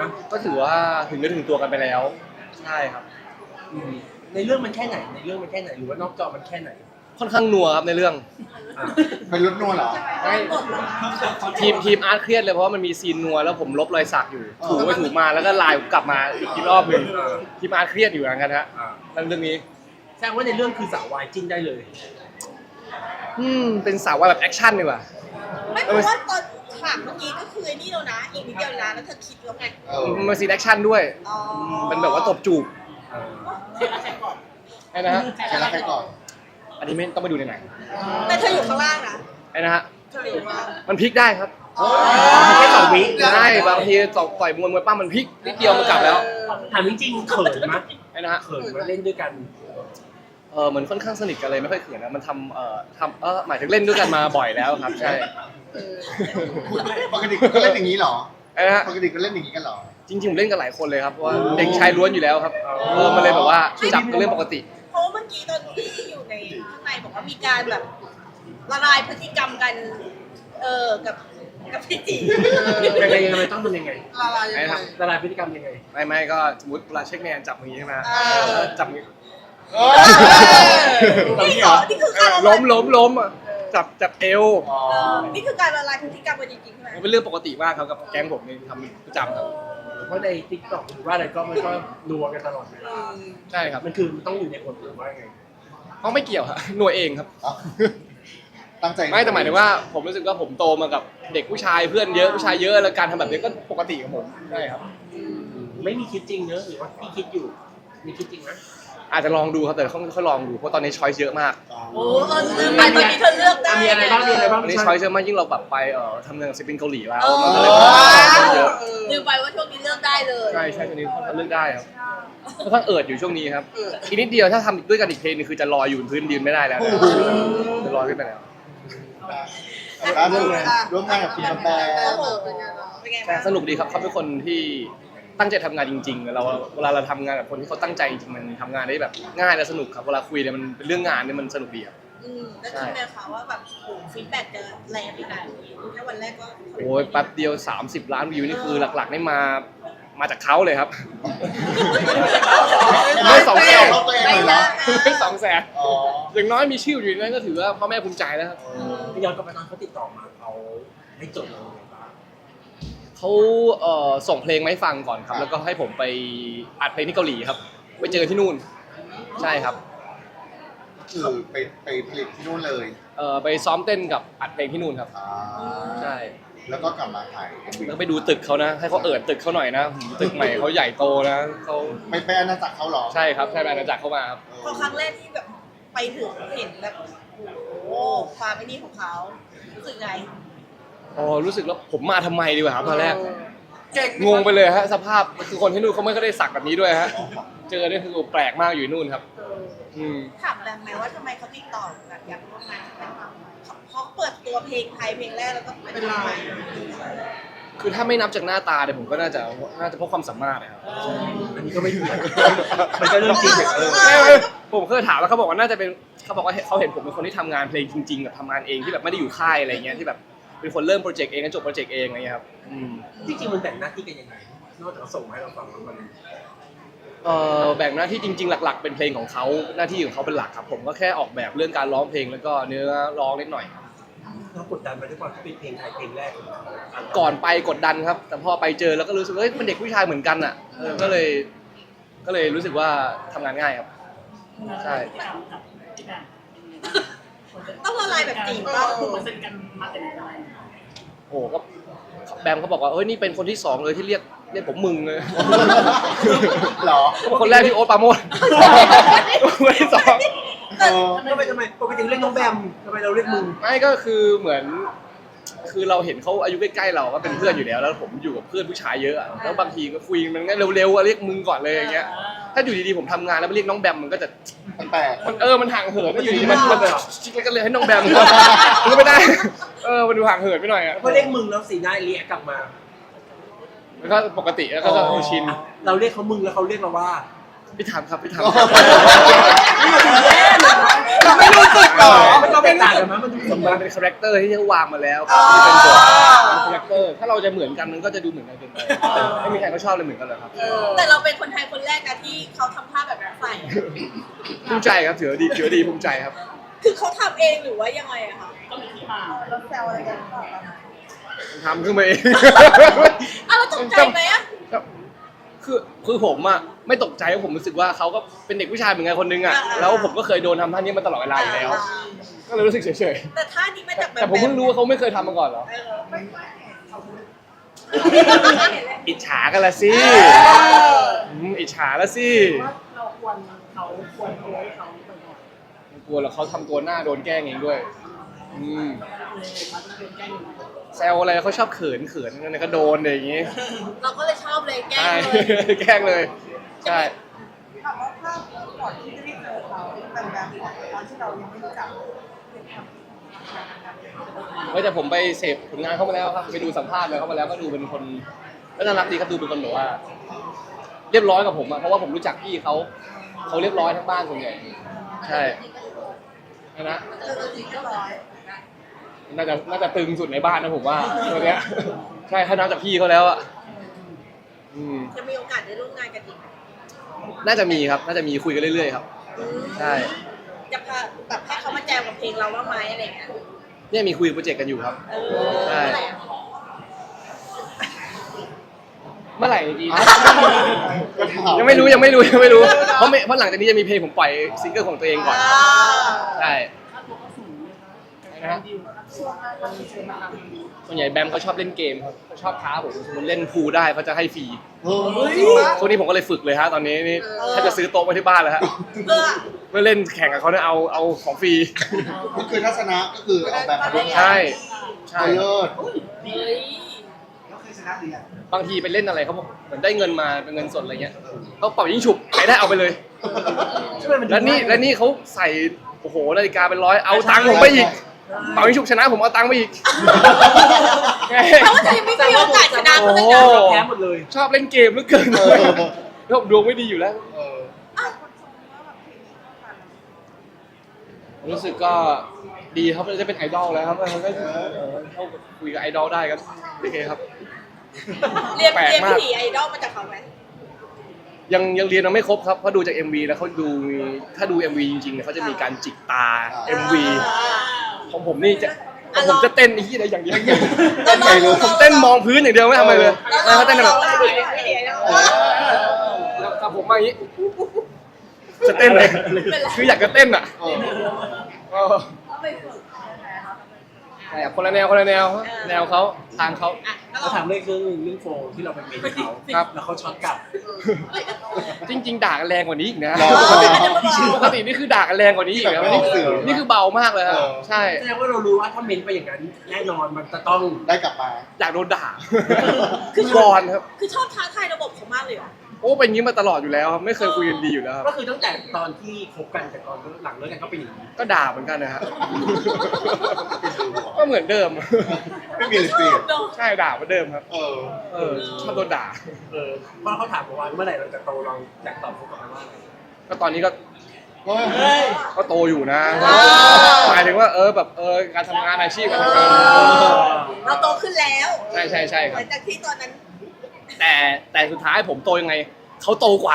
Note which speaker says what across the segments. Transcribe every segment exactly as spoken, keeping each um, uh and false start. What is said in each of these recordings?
Speaker 1: นะ
Speaker 2: ก็ถือว่าถึงเนื้อถึงตัวกันไปแล้วใช่ครับ
Speaker 1: ในเรื่องมันแค่ไหนในเรื่องมันแค่ไหนหรือว่านอกจอมันแค่ไหน
Speaker 2: ค่อนข้างนัวครับในเรื่อง
Speaker 3: เป็นรถนัวเหรอ
Speaker 2: ทีมทีมอาร์ตเครียดเลยเพราะว่ามันมีซีนนัวแล้วผมลบรอยสักอยู่ถูไปถูมาแล้วก็ลายกลับมาอีกรอบหนึ่งทีมอาร์ตเครียดอยู่เหมือนกันฮะเรื่องนี้
Speaker 1: แสดงว่าในเรื่องคือสาววายจิ้นได้เลย
Speaker 2: อืมเป็นสาวว่าแบบแอคชั่นดีกว่า
Speaker 4: ไม่เพราะว่าตอนฉากเมื่อกี้ก็คือไอ้นี่แล้วนะอีกนิดเดียวนะแล้วเธอคิดแล้วไง
Speaker 2: มันซีนแอคชั่นด้วยมันแบบว่าตบจูบ
Speaker 4: ใช่ใช่ก่อน
Speaker 2: ไอ้นะฮะ
Speaker 3: ใครรักใครก่อน
Speaker 2: อันนี้ไม่ต้องไปดูในไหน
Speaker 4: แต่เธออยู่ข้างล่างนะ
Speaker 2: ไอ้นะฮะ
Speaker 4: เธออยู่ข้างล่าง
Speaker 2: มันพลิกได้ครับ
Speaker 1: แค่สองวิ
Speaker 2: ได้บางทีต่อยมวยมวยป้ามันพลิกนิดเดียวมันกลับแล้ว
Speaker 1: ถามจริงๆเขินมั้ย
Speaker 2: ไอ้นะฮะ
Speaker 1: เขินมาเล่นด้วยกัน
Speaker 2: เออเหมือนค่อนข้างสนิทกันเลยไม่ค่อยเขินนะมันทำเอ่อทำเออหมายถึงเล่นด้วยกันมาบ่อยแล้วครับใช่
Speaker 3: ปกติก็เล่นอย่างนี้เหรอ
Speaker 2: ไอ้นะฮะ
Speaker 3: ปกติก็เล่นอย่างนี้กันเหรอ
Speaker 2: จริงๆผมเล่นกันหลายคนเลยครับเพราะว่าเด็กชายล้วนอยู่แล้วครับเออมันเลยแบบว่าจับกันเรื่องปกติ
Speaker 4: เพราะเมื่อกี้ตอนที่อยู่ในข้างในบอกว่ามีการแบบละลายพฤติกรรมกันเออกับกับพี่จี
Speaker 1: ยังไงยังไงต้องทำยังไง
Speaker 4: ละลายยังไง
Speaker 1: ละลายพฤติกรรมยังไง
Speaker 2: ไม่ไม่ก็สมมติเวลาเช็คแมนจับมือใช่ไหมจับมือ
Speaker 4: นี่เหรอนี่คือการ
Speaker 2: ล้มล้มล้มอ่ะจับจับเอว
Speaker 4: นี่คือการละลายพฤติกรรมกันจริงๆใช่ไหม
Speaker 2: มันเป็นเรื่องปกติมากครับกับแก๊งผมนี่ทำประจำครับ
Speaker 1: เพราะในติ๊กต็อกหรือว่าอะไรก็มันก็นัวกันตลอดเวลา
Speaker 2: ใช่ครับ
Speaker 1: มันคือต้องอยู่ในกฎหรือว่าไง
Speaker 2: เขาไม่เกี่ยวครับหน่วยเองครับ
Speaker 3: ตั้งใจ
Speaker 2: ไม่แต่หมายถึงว่าผมรู้สึกว่าผมโตมากับเด็กผู้ชายเพื่อนเยอะผู้ชายเยอะแล้วการทำแบบนี้ก็ปกติของผมใช่ครับ
Speaker 1: ไม่มีคิดจริงเนอะหรือว่าพี่คิดอยู่มีคิดจริงไหม
Speaker 2: อาจจะลองดูครับแต่ต้องค่อยลองดูเพราะตอนนี้ช้อยส์เยอะมาก
Speaker 4: โอ้เออตอนนี้เธอเลือกได้
Speaker 1: มีอะไรบ้างมีอะไรบ้าง
Speaker 2: ตอนนี้ช้อยส์เยอะมากยิ่งเราแบบไปเอ่อทำงานศิลปินเกาหลีแล้ว
Speaker 4: มันก็เลยเยอะลืมไปว่าช่วงนี้เลือกได้เลย
Speaker 2: ใช่ใช่ช่วงนี้เขาเลือกได้ครับค่อนข้างเอิดอยู่ช่วงนี้ครับอีกนิดเดียวถ้าทำด้วยกันอีกเพลงนึงคือจะลอยอยู่บนพื้นดินไม่ได้แล้วจะลอยขึ้นไปแล้ว
Speaker 3: ร่วมงานกับคุณกาแฟ
Speaker 2: สนุกดีครับเขาเป็นคนที่ตั้งใจทำงานจริงๆเราเวลาเราทำงานกับคนที่เขาตั้งใจจริงมันทำงานได้แบบง่ายและสนุกครับเวลาคุยเนี่ยมันเป็นเรื่องงานเนี่ยมันสนุกดีครับ
Speaker 4: อืมแล้วจริงไหมคะว่าแบบโอ้ฟีดแบ็กจะแรงขนาดนี้แค่วันแรกก็
Speaker 2: โอ้ยแป๊บเดียวสามสิบล้านวิวนี่คือหลักๆนี่มามาจากเขาเลยครับไม่สองแสนไม่สองแสนอย่างน้อยมีชื่ออยู่ในนั้นก็ถือว่าพ่อแม่ภูมิใจแล้วครับ
Speaker 1: ย้อนกลับไปตอนเขาติดต่อมาเขาให้จดเรา
Speaker 2: เขาเอ่อส่งเพลงมาให้ฟังก่อนครับแล้วก็ให้ผมไปอัดเพลงที่เกาหลีครับไปเจอที่นู่นใช่ครับ
Speaker 3: คือไปไปผลิตที่นู่นเลย
Speaker 2: เอ่อไปซ้อมเต้นกับอัดเพลงที่นู่นครับใช่
Speaker 3: แล้วก็กลับมาถ่าย
Speaker 2: แล้วไปดูตึกเขานะให้เขาเอิดตึกเขาหน่อยนะตึกใหม่เขาใหญ่โตนะเขา
Speaker 3: ไปไปอาณาจักรเขาหรอ
Speaker 2: ใช่ครับใช่ไปอาณาจักรเขามาครับ
Speaker 4: พอครั้งแรกที่แบบไปถึงเห็นแบบโอ้ความไม่นี่ของเขารู้สึกไง
Speaker 2: อ๋อรู้สึกแล้วผมมาทำไมดีกว่าครับตอนแรกงงไปเลยฮะสภาพคือคนที่นู่นเขาไม่ได้สักแบบนี้ด้วยฮะเจอเนี่ยคือแปลกมากอยู่นู่นครับ
Speaker 4: ถามแรงไหมว่าทำไมเขาติดต่อแบบอยากร่วมงานเขาเปิดตัวเพลงไทยเพลงแรกแล้วก็เป็นเรา
Speaker 2: คือถ้าไม่นับจากหน้าตาเนี่ยผมก็น่าจะน่าจะเพราะความสามารถนะครับ
Speaker 1: อันนี้ก็ไม่ถูกมันก็เรื่องจริง
Speaker 2: ผมเคยถามแล้วเขาบอกว่าน่าจะเป็นเขาบอกว่าเขาเห็นผมเป็นคนที่ทำงานเพลงจริงๆแบบทำงานเองที่แบบไม่ได้อยู่ค่ายอะไรเงี้ยที่แบบเป็นคนเริ่มโปรเจกต์เองแล้วจบโปรเจกต์เองอะไรเงี้ยครับ
Speaker 1: จริงๆมันแบ่งหน้าที่กันยังไงนอกจากส่งให้เราฟังแล้วมัน
Speaker 2: เอ่อแบ่งหน้าที่จริงๆหลักๆเป็นเพลงของเขาหน้าที่ของเขาเป็นหลักครับผมก็แค่ออกแบบเรื่องการร้องเพลงแล้วก็เนื้อร้องนิดหน่อย
Speaker 1: เรากดดันไปด้วยความที่เป็นเพลงไทยเพลงแรก
Speaker 2: ก่อนไปกดดันครับแต่พอไปเจอแล้วก็รู้สึกว่าเฮ้ยมันเด็กผู้ชายเหมือนกันอ่ะก็เลยก็เลยรู้สึกว่าทำงานง่ายครับใช่
Speaker 4: ต้องละลายแบบจีบป่ะ
Speaker 5: ถูกเซ็นกันมาแต่ไหนแต่ไร
Speaker 2: โอ้ก็แบมเขาบอกว่าเฮ้ยนี่เป็นคนที่สองเลยที่เรียกเรียกผมมึงเลย
Speaker 3: หรอ
Speaker 2: คนแรกที่โอ๊ตปาโมดคนที่สอง
Speaker 1: ทำไมทำไมปกติเรียกน้องแบมทำไมเราเรียกมึง
Speaker 2: ไม่ก็คือเหมือนคือเราเห็นเขาอายุใกล้ๆเราก็เป็นเพื่อนอยู่แล้วแล้วผมอยู่กับเพื่อนผู้ชายเยอะแล้วบางทีก็คุยมันก็เร็วๆเรียกมึงก่อนเลยอย่างเงี้ยถ้าอยู่ดีๆผมทำงานแล้วไปเรียกน้องแบมมันก็จะ
Speaker 3: แปลก
Speaker 2: มันเออมันห่างเหินอยู่ดีมันมันชิคก็เลยให้น้องแบมมันก็ไม่ได้เออมันดูห่างเหินไปหน่อยอ่ะ
Speaker 1: พอเรียกมึงแล้วสีหน้าเรียกกลับมา
Speaker 2: แล้วก็ปกติแล้วก็ชิน
Speaker 1: เราเรียกเขามึงแล้วเขาเรียกเราว่า
Speaker 2: พี่ถามครับพี่ถาม
Speaker 1: เรา
Speaker 3: ไม่รู้สึกหรอ
Speaker 1: มันก็เป็นต่างกันมั้ยมันดูสม
Speaker 2: มั
Speaker 1: บั
Speaker 2: น
Speaker 1: ติ
Speaker 2: เป็นคาแรคเตอร์ที่เขาวางมาแล้วครับที่เป็นตัวเป็นคาแรคเตอร์ถ้าเราจะเหมือนกันมันก็จะดูเหมือนกันเกินไปไม่มีใครเขาชอบเลยเหมือนกันเลยครับ
Speaker 4: แต่เราเป็นคนไทยคนแรกนะที่เขาทำท่าแบบนั้นใส่
Speaker 2: ภูมิใจครับถือว่าดีถือว่าดีภูมิใจครับ
Speaker 4: คือเขาทำเองหรือว่ายังไงอะคะเราแซวอะไรกันก่อน
Speaker 2: ทำขึ้นมาเอง
Speaker 4: อ่ะเราตกใจไหมอะ
Speaker 2: คือคือผมอะไม่ตกใจเพราะผมรู้สึกว่าเขาก็เป็นเด็กผู้ชายเหมือนกันคนนึงอะแล้วผมก็เคยโดนทำท่านี้มาตลอดเวลาอยู่แล้ว ก็เลยรู้สึกเฉย
Speaker 4: แต่ท่านี้มาจาก
Speaker 2: ๆ
Speaker 4: แบบ
Speaker 2: แต่ผมเพิ่งรู้ว่าเขาไม่เคยทำมาก่อนเหรอ
Speaker 4: เออไม่ค่อยเห็น
Speaker 2: อิจฉากันละสิมอิจฉาละสิ
Speaker 1: เราควรเขาควรเอาไว้เขาไปก่อน
Speaker 2: ไม่กลัวแล้วเขาทำตัวหน้าโดนแกล้งเองด้วยอืมแซวอะไรเขาชอบเขินเขินนั่นก็โดนอะไรอย่างงี้
Speaker 4: เราก็เลยชอบเลยแกล้
Speaker 2: ใช่
Speaker 4: งเลย
Speaker 2: แกล้งเลยใช่
Speaker 5: ถามว่าภาพก่อนที่จะได้เจอเขาเป็นแบบก่อนตอนที่เรายังไม่รู้จัก
Speaker 2: เฮ้ยแต่ผมไปเสพผลงานเขามาแล้วครับไปดูสัมภาษณ์เลยเขามาแล้วก็ดูเป็นคนก็น่ารักดีครับดูเป็นคนแบบว่า เรียบร้อยกับผมอะเพราะว่าผมรู้จักพี่เขาเขาเรียบร้อยทั้งบ้านส่วนใหญ่ใช่นะ
Speaker 5: เจอตัวจริงก็ร้อย
Speaker 2: น่าจะน่าจะตึงสุดในบ้านนะผมว่าตัวเนี้ยใช่ถ้านับจากพี่เขาแล้วอะอืม
Speaker 4: จะมีโอกาสได้ร่วมงานกันอีกไหม
Speaker 2: น่าจะมีครับ น่าจะมีคุยกันเรื่อยๆครับ
Speaker 4: อืม
Speaker 2: ใช่
Speaker 4: จะพาแบบให้เขามาแจมกับเพลงเราบ้างไหมอะไรอย่างเงี้ย
Speaker 2: เนี่ยมีคุยโปรเจกต์กันอยู่ครับ
Speaker 4: เออ
Speaker 2: ใช่
Speaker 4: เมื่อไหร่อะ
Speaker 2: เมื่อไหร่ดีนะ
Speaker 3: ก็ถาม
Speaker 2: ยังไม่รู้ยังไม่รู้ยังไม่รู้เพราะไม่เพราะหลังจากนี้จะมีเพลงผมปล่อยซิงเกิลของตัวเองก่อน
Speaker 4: อ่า
Speaker 2: ใช่นะฮะส่วนใหญ่แบมเขาชอบเล่นเกมครับเขาชอบท้าผมสมมติเล่นพูลได้เขาจะให้ฟรี
Speaker 3: เฮ้ยจริงปะ
Speaker 2: ช่วงนี้ผมก็เลยฝึกเลยฮะตอนนี้นี่ถ้าจะซื้อโต๊ะไว้ที่บ้านแล้วฮะ
Speaker 4: เพื่อ
Speaker 2: เมื่อเล่นแข่งกับเขาเนี่ยเอาเอาของฟรี
Speaker 3: ก็คือทัศนะก็คือเอาแบบมาร่วมงาน
Speaker 2: ใช่ใช่
Speaker 3: เลิศ
Speaker 4: เฮ้ย
Speaker 2: บางทีไปเล่นอะไรเขาบอกเหมือนได้เงินมาเป็นเงินสดอะไรเงี้ยเขาเป่ายิงฉุบใครได้เอาไปเลย
Speaker 1: ช่วยมันดู
Speaker 2: แล้วนี่แล้วนี่เขาใส่โอ้โหนาฬิกาเป็นร้อยเอาตังค์ผมไปอีกเป่ายิงฉุบชนะผมเอาตังค์ไปอีก
Speaker 4: แปลว่าเธอยังไม่มีโอกาสชนะเขาเลย
Speaker 2: โอ้
Speaker 4: นะ
Speaker 1: แพ้หมดเลย
Speaker 2: ชอบเล่นเกมเหลือเกิน
Speaker 3: เออ
Speaker 2: แล้วผมดวงไม่ดีอยู่แล้ว
Speaker 3: เออ
Speaker 2: รู้สึกก็ดีครับจะเป็นไอดอลแล้วครับเขาก็เออเข้าคุยกับไอดอลได้ก็โอเคครับ
Speaker 4: เรียน
Speaker 2: แปลก
Speaker 4: เรียน
Speaker 2: มาก
Speaker 4: ผีไอดอลมาจากเขาไหม
Speaker 2: ยังยังเรียนมาไม่ครบครับเพราะดูจาก เอ็ม วี แล้วเขาดูมีถ้าดู เอ็ม วี จริงๆเนี่ยเขาจะมีการจิกตา เอ็ม วี ของผมนี่จะของผมจะเต้นไอ้ที่อะไรอย่างเดียว
Speaker 3: เต้นไงรู้
Speaker 2: ผมเต้นมองพื้นอย่างเดียวไม่ทำอะไรเลยแล้วเขาเต้นแบบ
Speaker 4: เออ
Speaker 2: แล้วกับผมมาอย่างนี้จะเต้นเลยคืออยากจะเต้นอ่ะ
Speaker 3: เออ
Speaker 2: เออใช่ครับคนละแนวคนละแนวครับแนวเขาทางเขา
Speaker 4: อ่ะแล้ว
Speaker 1: เราถามเรื่องเรื่องเรื่องโฟมที่เราไปเมนเขา
Speaker 2: ครับ
Speaker 1: แล้วเขาช็อตกลับ
Speaker 2: จริง ๆ ด่ากันแรงกว่านี้อีกนะ
Speaker 3: อ๋อ
Speaker 2: ปกติปกตินี่คือด่ากันแรงกว่านี้อีกนะ
Speaker 3: แบบไม่
Speaker 2: นี่
Speaker 3: ออกสื่อ
Speaker 2: นี่คือเบามากเลยครับ
Speaker 3: เออ
Speaker 2: ใช่
Speaker 1: แสดงว่าเรารู้ว่าถ้าเมนไปอย่างนั้นแน่นอนมันจะต้อง
Speaker 3: ได้กลับมา
Speaker 2: อยากโดนด่า
Speaker 4: คือ
Speaker 2: วอนครับ
Speaker 4: คือชอบท้าทายระบบเขามากเลยเหรอ
Speaker 2: โอ้เป็นอย่างนี้มาตลอดอยู่แล้วครับไม่เคยคุยกันดีอยู่แล้วครับ
Speaker 1: ก็คือตั้งแต่ตอนที่คบกันแต่ตอนหลังเลิกกันก็เป็นอย่างนี้
Speaker 2: ก็ด่าเหมือนกันนะฮะก็เหมือนเดิม
Speaker 3: ไม่มีเลยเปลี่ยน
Speaker 2: ใช่ด่าเหมือนเดิมครับ
Speaker 3: เออ
Speaker 2: เออชอบโดนด่า
Speaker 1: เออเพราะเขาถามผมว่าเมื่อไหร่เราจะโตเราอยากตอบเขากลับไปว่าอะไร
Speaker 2: ก็ตอนนี้ก็
Speaker 3: เฮ้ย
Speaker 1: เฮ้ย
Speaker 2: ก็โตอยู่นะ
Speaker 4: อ่า
Speaker 2: หมายถึงว่าเออแบบเออการทำงานอาชีพการทำงาน
Speaker 4: เราโตขึ้นแล้ว
Speaker 2: ใช่ใช่ใช่ค
Speaker 4: ห
Speaker 2: รับ
Speaker 4: ลังจากที่ตอนนั้น
Speaker 2: แต่แต่สุดท้ายผมโตยังไงเขาโตกว่า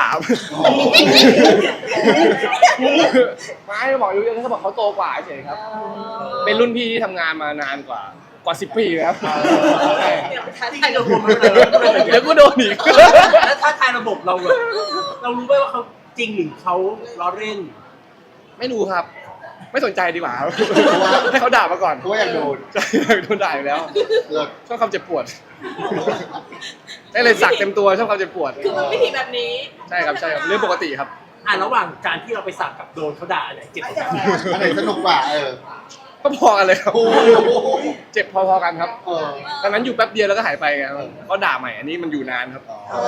Speaker 2: ไม่บอกอยู่เขาบอกเขาโตกว่าเฉยครับ เป็นรุ่นพี่ที่ทำงานมานานกว่ากว่าสิบปีครับใช่
Speaker 4: เดี๋ยวท้า
Speaker 1: จริง
Speaker 4: ทาย
Speaker 1: ๆเรา
Speaker 4: ระ
Speaker 1: ร
Speaker 4: บ
Speaker 1: ว
Speaker 4: บ
Speaker 1: มมันเลย
Speaker 2: เดี๋ยวกูโดนอีก
Speaker 1: แล้วถ้าทายระบบเราแบบเรารู้ไหมว่าเขาจริงหรือเขาล้อเล่น
Speaker 2: ไม่รู้ครับ ไม่สนใจดีกว่าครับให้เขาด่ามาก่อน
Speaker 3: เพราะว่าอยากโดน
Speaker 2: ใช่โดนด่าอยู่แล้ว
Speaker 3: เลิศ
Speaker 2: ชอบความเจ็บปวดได้เลยสักเต็มตัวชอบความเจ็บปวด
Speaker 4: คือมันวิธีแบบนี้
Speaker 2: ใช่ครับใช่ครับเรื่องปกติครับ
Speaker 1: อ่ะระหว่างการที่เราไปสักกับโดนเขาด่าอะไรเจ็บกว่ากัน
Speaker 3: อันไหนสนุกกว่าเออ
Speaker 2: ก็พอกันเลยครับ
Speaker 3: โอ้โห
Speaker 2: เจ็บพอๆกันครับ
Speaker 3: เออ
Speaker 2: ตอนนั้นอยู่แป๊บเดียวแล้วก็หายไปไงเขาด่าใหม่อันนี้มันอยู่นานครับ
Speaker 3: อ๋อ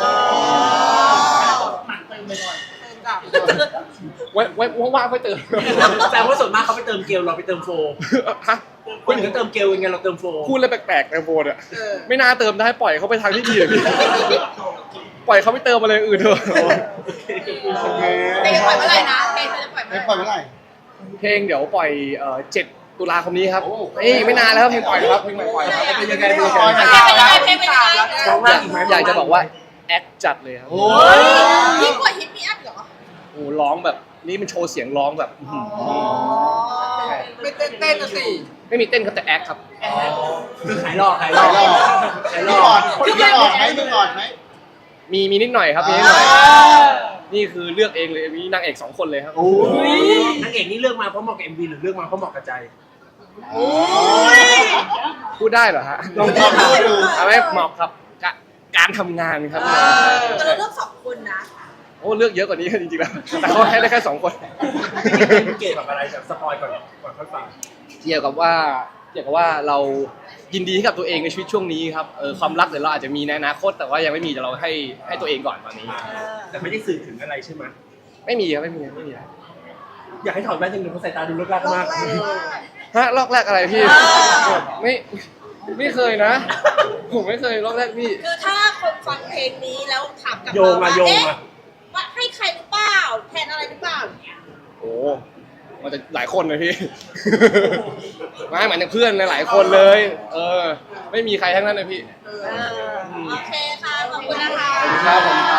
Speaker 2: ไว้ไว้ว่างๆค่อยเติม
Speaker 1: แต่ว่าส่วนมากเขาไปเติมเกลเราไปเติมโฟ
Speaker 2: ฮะ
Speaker 1: คนอื่นก็เติมเกลยังไงเราเติมโฟ
Speaker 2: พูดอะไรแปลกๆในโฟนอ่ะ
Speaker 4: เออ
Speaker 2: ไม่น่าเติมได้ปล่อยเขาไปทางที่ดีเลยพี่ปล่อยเขาไปเติมอะไรอื่นเถอะ
Speaker 3: โอเค
Speaker 4: เพลงจะปล่อยเมื่อไหร่นะเพลงจะปล่อยเมื่อ
Speaker 3: ไม่
Speaker 4: ไห
Speaker 3: ปล่อย
Speaker 4: ร่
Speaker 3: เมื่อไหร่
Speaker 2: เพลงเดี๋ยวปล่อยเอ่อเจ็ดตุลาคมนี้ครับเอ้ยไม่นานแล้วครับเพลงปล่อยครับเพลงใหม่ปล่อยครับ
Speaker 1: เป็นยังไงเป็นยัง
Speaker 4: เพลง
Speaker 1: ไง
Speaker 4: เป็นยังไงเพลงเป็นยังไง
Speaker 1: ร้องได้อีกไหม
Speaker 2: อยากจะบอกว่าแอคจัดเลยครับ
Speaker 1: โอ้
Speaker 4: เฮ้
Speaker 1: ย
Speaker 4: ยยิ่งกว่าฮิตมีอัพเหรอ
Speaker 2: โอ้ร้องแบบนี่มันโชว์เสียงร้องแบบอื้อหือ
Speaker 5: ไม่เต้นเต้นนะสิ
Speaker 2: ไม่มีเต้นครับแต่แอคครับ
Speaker 1: คือขายหลอกขายหล
Speaker 3: หล่
Speaker 1: อ
Speaker 3: อก
Speaker 1: ขาย
Speaker 3: ๆ
Speaker 1: หล
Speaker 3: มี
Speaker 1: อก
Speaker 3: ก่อนมีก่อนไหมมีก่อนไหม
Speaker 2: มีมีนิดหน่อยครับมีนิดหน่อยนี่คือเลือกเองเลยมีนางเอกสองคนเลยครับ
Speaker 1: โอ้ยนางเอกนี่เลือกมาเพราะเหมาะกับ เอ็ม วี หรือเลือกมาเพราะเหมาะกับใจ
Speaker 4: โอ้ย
Speaker 2: พูดได้เหรอฮะ
Speaker 1: ลอง
Speaker 3: ลองดูดู
Speaker 2: เอาไม่เหมาะครับกะการทำงานครับ
Speaker 4: แต่เราเลือกสองคนนะ
Speaker 2: โอ้เลือกเยอะกว่านี้จริงๆแล้วแต่เขาให้ได้แค่สองคน
Speaker 1: เกตแบบอะไรแบบสปอยก่อนก่อนค่อยฟัง
Speaker 2: เกี่ยวกับว่าเกี่ยวกับว่าเรายินดีให้กับตัวเองในชีวิตช่วงนี้ครับเออความรักเดี๋ยวเราอาจจะมีในอนาคตแต่ว่ายังไม่มีแต่เราให้ให้ตัวเองก่อนตอนนี้
Speaker 1: แต่ไม่ได้สื่อถึงอะไรใช่ไหม
Speaker 2: ไม่มีครับไม่มีไม่มี
Speaker 1: อยากให้ถอดแว่นจังเลยเพราะสายตาดูเลิกลัก
Speaker 5: รอบ
Speaker 1: มาก
Speaker 5: แรกว่า
Speaker 2: ฮะลอกแรกอะไรพี่
Speaker 4: อ่า
Speaker 2: ไม่ไม่เคยนะ ผมไม่เคยลอกแรกพี่
Speaker 4: คือถ้าคนฟังเพลงนี้แล้วถามกลับ
Speaker 1: โย
Speaker 4: มาง
Speaker 1: อะ
Speaker 4: ว่า
Speaker 1: โยง
Speaker 4: เอ๊ะ
Speaker 1: อะ
Speaker 4: ว่าให้ใครหรือเปล่าแทนอะไรหรือเปล่าอย่างเงี้ย
Speaker 2: โอ้มันจะหลายคนเลยพี่ ไม่เหมือนเพื่อนหลายๆคนเลย เออ ไม่มีใครทั้งนั้นเลยพี่
Speaker 4: โอเคค่ะ ขอบคุณนะคะ
Speaker 2: ขอบคุณครับผม